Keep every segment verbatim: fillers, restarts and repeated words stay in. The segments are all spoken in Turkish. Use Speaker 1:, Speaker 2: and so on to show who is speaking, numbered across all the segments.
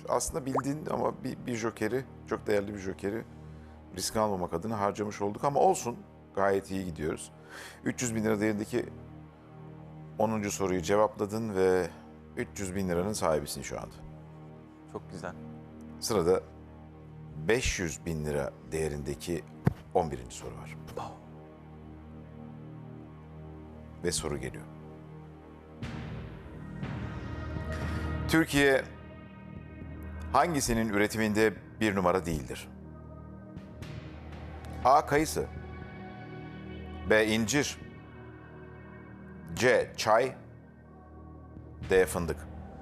Speaker 1: aslında bildiğin ama bir, bir jokeri, çok değerli bir jokeri risk almamak adına harcamış olduk ama olsun, gayet iyi gidiyoruz. üç yüz bin lira değerindeki onuncu soruyu cevapladın ve üç yüz bin liranın sahibisin şu anda.
Speaker 2: Çok güzel.
Speaker 1: Sırada beş yüz bin lira değerindeki on birinci soru var. Ve soru geliyor. Türkiye hangisinin üretiminde bir numara değildir? A. Kayısı, B. incir, C. Çay, D. Fındık.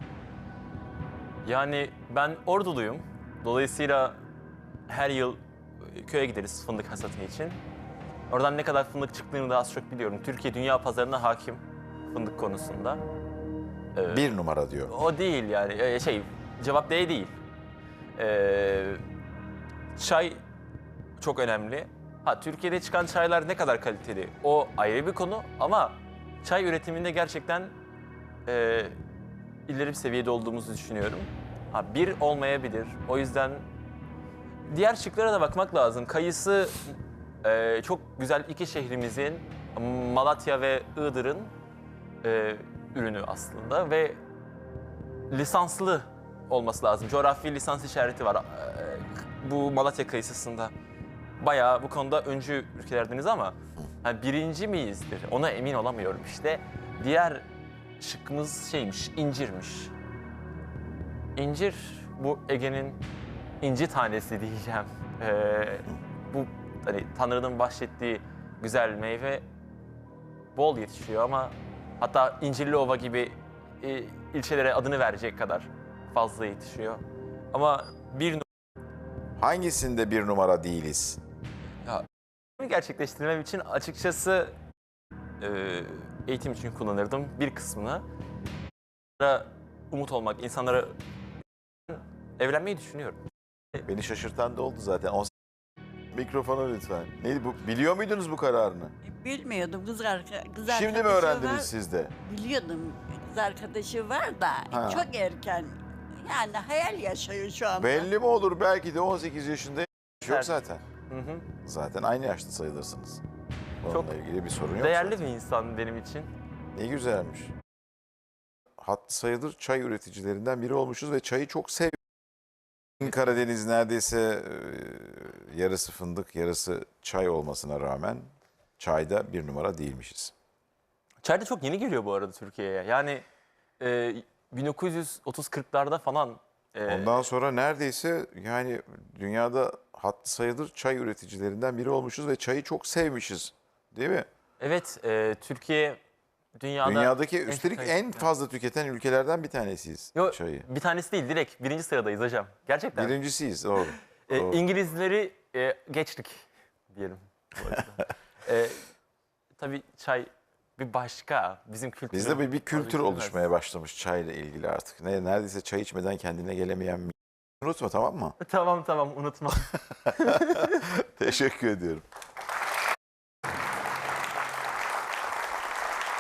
Speaker 2: Yani ben Orduluyum. Dolayısıyla her yıl köye gideriz fındık hasatı için. Oradan ne kadar fındık çıktığını da az çok biliyorum. Türkiye dünya pazarına hakim fındık konusunda. Ee,
Speaker 1: Bir numara diyor.
Speaker 2: O değil yani Ee, şey cevap D değil. Ee, çay çok önemli. Ha Türkiye'de çıkan çaylar ne kadar kaliteli o ayrı bir konu ama çay üretiminde gerçekten e, ileri bir seviyede olduğumuzu düşünüyorum. Ha bir olmayabilir. O yüzden diğer şıklara da bakmak lazım. Kayısı e, çok güzel iki şehrimizin Malatya ve Iğdır'ın e, ürünü aslında ve lisanslı olması lazım. Coğrafi lisans işareti var e, bu Malatya kayısısında. Bayağı bu konuda öncü ülkelerdeniz ama yani birinci miyizdir ona emin olamıyorum işte. Diğer şıkkımız şeymiş, incirmiş. İncir bu Ege'nin inci tanesi diyeceğim. Ee, bu hani Tanrı'nın bahşettiği güzel meyve bol yetişiyor ama hatta İncirliova gibi e, ilçelere adını verecek kadar fazla yetişiyor. Ama bir
Speaker 1: Hangisinde bir numara değiliz?
Speaker 2: ya, gerçekleştirmem için açıkçası e, eğitim için kullanırdım bir kısmını. Umut olmak, insanlara evlenmeyi düşünüyorum.
Speaker 1: Beni şaşırtan da oldu zaten. On... Mikrofona lütfen. Neydi bu? Biliyor muydunuz bu kararını?
Speaker 3: Bilmiyordum kız, arka, kız
Speaker 1: Şimdi mi
Speaker 3: arkadaşı
Speaker 1: öğrendiniz
Speaker 3: var.
Speaker 1: siz de?
Speaker 3: Biliyordum kız arkadaşı var da
Speaker 1: Ha.
Speaker 3: çok erken. Yani hayal yaşıyor şu anda.
Speaker 1: Belli mi olur? Belki de on sekiz yaşında yok
Speaker 2: Evet.
Speaker 1: zaten.
Speaker 2: Hı hı.
Speaker 1: Zaten aynı yaşta sayılırsınız. Onunla
Speaker 2: Çok
Speaker 1: ilgili bir sorun yok
Speaker 2: değerli
Speaker 1: zaten.
Speaker 2: bir insan benim için.
Speaker 1: Ne güzelmiş. Hatlı sayılır çay üreticilerinden biri olmuşuz ve çayı çok seviyoruz. Karadeniz neredeyse e, yarısı fındık, yarısı çay olmasına rağmen çayda bir numara değilmişiz.
Speaker 2: Çay da çok yeni geliyor bu arada Türkiye'ye. Yani e, bin dokuz yüz otuz kırklarda falan. e,
Speaker 1: Ondan sonra neredeyse yani dünyada hatlı sayılır çay üreticilerinden biri olmuşuz ve çayı çok sevmişiz. Değil mi?
Speaker 2: Evet, e, Türkiye dünyada...
Speaker 1: Dünyadaki üstelik
Speaker 2: çay-
Speaker 1: en fazla tüketen ülkelerden bir tanesiyiz
Speaker 2: Yo,
Speaker 1: çayı.
Speaker 2: bir tanesi değil, direkt birinci sıradayız hocam. Gerçekten.
Speaker 1: Birincisiyiz, doğru.
Speaker 2: E,
Speaker 1: doğru.
Speaker 2: İngilizleri e, geçtik diyelim. bu arada. e, tabii çay bir başka, bizim kültürümüz.
Speaker 1: Bizde bir, bir kültür
Speaker 2: vazgeçilmez.
Speaker 1: oluşmaya başlamış çayla ilgili artık. Ne, neredeyse çay içmeden kendine gelemeyen bir... Unutma, tamam mı?
Speaker 2: Tamam tamam unutma.
Speaker 1: Teşekkür ediyorum.